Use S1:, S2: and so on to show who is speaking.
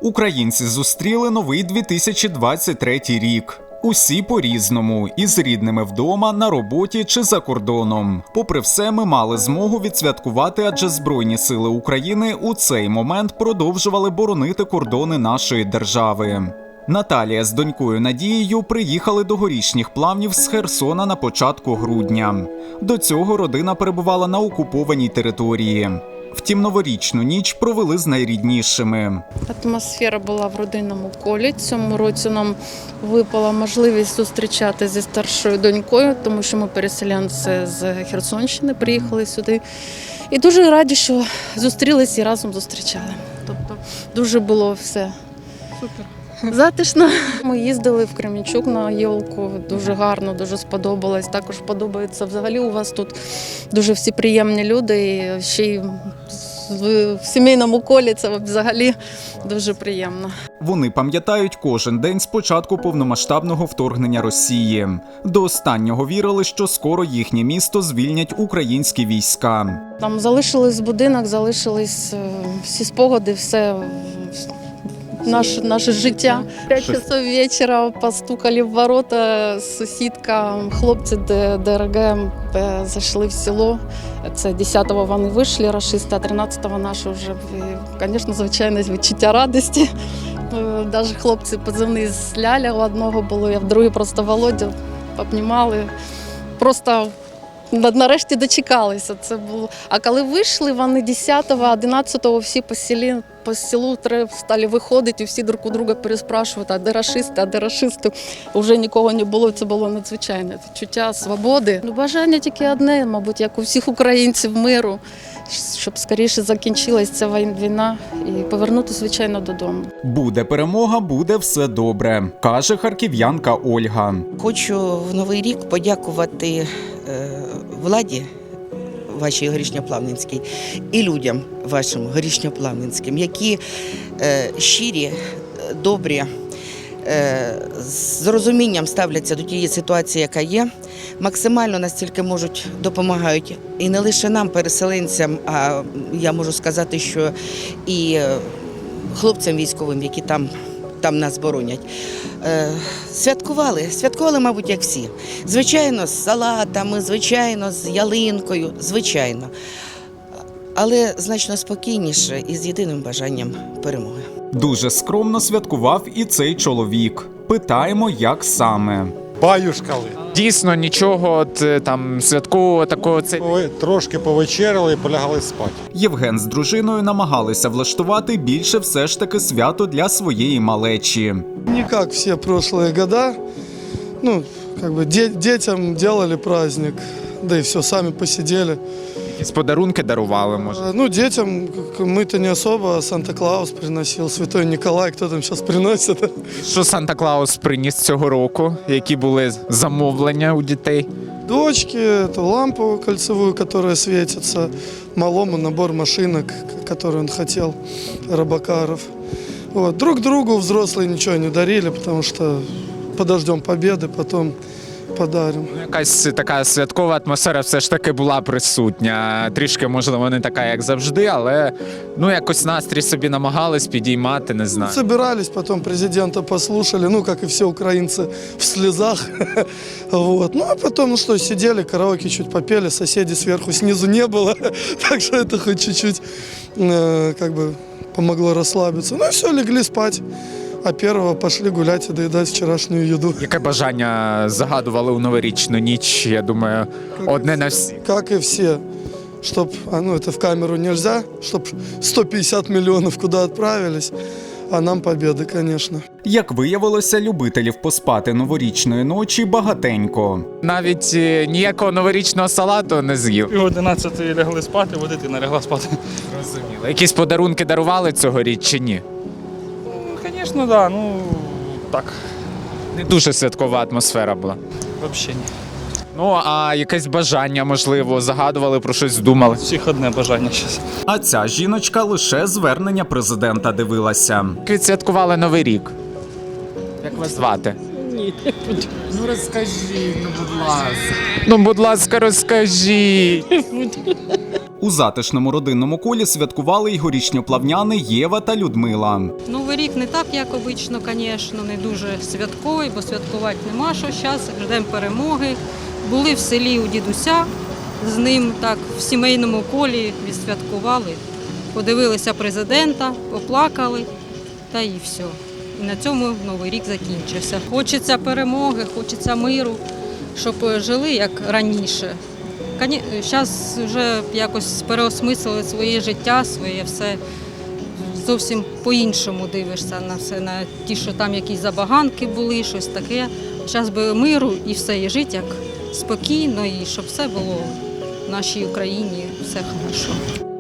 S1: Українці зустріли новий 2023 рік. Усі по-різному, із рідними вдома, на роботі чи за кордоном. Попри все, ми мали змогу відсвяткувати, адже Збройні сили України у цей момент продовжували боронити кордони нашої держави. Наталія з донькою Надією приїхали до Горішніх Плавнів з Херсона на початку грудня. До цього родина перебувала на окупованій території. Втім, новорічну ніч провели з найріднішими.
S2: Атмосфера була в родинному колі. Цьому році нам випала можливість зустрічати зі старшою донькою, тому що ми переселенці з Херсонщини, приїхали сюди. І дуже раді, що зустрілися і разом зустрічали. Тобто дуже було все супер. Затишно. Ми їздили в Кременчук на Єлку, дуже гарно, дуже сподобалось. Також подобається взагалі у вас тут дуже всі приємні люди, і ще й в сімейному колі це взагалі дуже приємно.
S1: Вони пам'ятають кожен день з початку повномасштабного вторгнення Росії. До останнього вірили, що скоро їхнє місто звільнять українські війська.
S2: Там залишились будинок, залишились всі спогади, все. Наше життя. 5 часов вечора постукали в ворота, сусідка, хлопці ДРГ зайшли в село. Це 10-го вони вийшли, рашисти, а 13-го наші вже, звісно, звичайно, відчуття радості. Навіть хлопці позивний з Ляля у одного було, а в другий просто Володя обнімали. Просто нарешті дочекалися. Це було. А коли вийшли, вони 10-го, 11-го всі по селу стали виходити, і всі друг у друга переспрашувати, а де рашисти, а де рашисти. Вже нікого не було, це було надзвичайне відчуття свободи. Бажання тільки одне, мабуть, як у всіх українців, миру, щоб скоріше закінчилася ця війна і повернутися, звичайно, додому.
S1: Буде перемога, буде все добре, каже харків'янка Ольга.
S3: Хочу в Новий рік подякувати владі вашій Горішньоплавненській і людям вашим Горішньоплавненським, які щирі, добрі, з розумінням ставляться до тієї ситуації, яка є, максимально настільки можуть, допомагають і не лише нам, переселенцям, а я можу сказати, що і хлопцям військовим, які там нас боронять. Святкували, мабуть, як всі. Звичайно, з салатами, звичайно, з ялинкою, звичайно. Але значно спокійніше і з єдиним бажанням перемоги.
S1: Дуже скромно святкував і цей чоловік. Питаємо, як саме.
S4: Баюшкали.
S5: Дійсно, нічого там святкового такого.
S4: Трошки повечеряли і полягали спати.
S1: Євген з дружиною намагалися влаштувати більше все ж таки свято для своєї малечі.
S6: Не как все прошлые года. Ну, как бы детям делали праздник, да и все, сами посидели.
S5: Якісь подарунки дарували, може?
S6: Ну, детям мы-то не особо, Санта-Клаус приносил, Святой Николай, кто там сейчас приносит.
S5: Що Санта-Клаус приніс цього року? Які були замовлення у дітей?
S6: Дочке эту лампу кольцевую, которая светится, малому набор машинок, который он хотел, Робокаров. Вот. Друг другу взрослые ничего не дарили, потому что подождем победы, потом подарим.
S5: Якась така святкова атмосфера все ж таки була присутня. Трішки, можливо, не така, як завжди, але якось настрій собі намагались підіймати, не знаю.
S6: Собирались, потом президента послушали, как и все украинцы, в слезах. Вот. Ну, а потом, сидели, караоке чуть попели, соседей сверху, снизу не было, так что это хоть чуть-чуть помогло расслабиться. Ну и все, легли спать. А 1-го пошли гулять и доедать вчерашнюю еду.
S5: Яке бажання загадували у новорічну ніч, я думаю, одне на всі?
S6: Как и все. Чтоб, это в камеру нельзя, чтоб 150 миллионов куда отправились, а нам победы, конечно.
S1: Як виявилося, любителів поспати новорічної ночі багатенько.
S5: Навіть ніякого новорічного салату не з'їв.
S7: Пів 11 лягли спати, дитина лягла спати.
S5: Розуміло. Якісь подарунки дарували цьогоріч чи ні?
S7: Звісно, так, так.
S5: Не дуже святкова атмосфера була.
S7: Взагалі ні.
S5: А якесь бажання, можливо, загадували, про щось думали?
S7: Всіх одне бажання зараз.
S1: А ця жіночка лише звернення президента дивилася.
S5: Як відсвяткували Новий рік? Як вас звати? Ні. Розкажіть, будь ласка. Будь ласка, розкажіть.
S1: У затишному родинному колі святкували й горішньоплавняни Єва та Людмила.
S8: Новий рік не так, як обично, звісно, не дуже святковий, бо святкувати нема що зараз, ждемо перемоги. Були в селі у дідуся, з ним так в сімейному колі відсвяткували, подивилися президента, поплакали, та і все. І на цьому Новий рік закінчився. Хочеться перемоги, хочеться миру, щоб жили як раніше. Зараз вже якось переосмислили своє життя, своє все. Зовсім по-іншому дивишся на все, на ті, що там якісь забаганки були, щось таке. Зараз би миру і все, і жити як спокійно, і щоб все було в нашій Україні, все хорошо.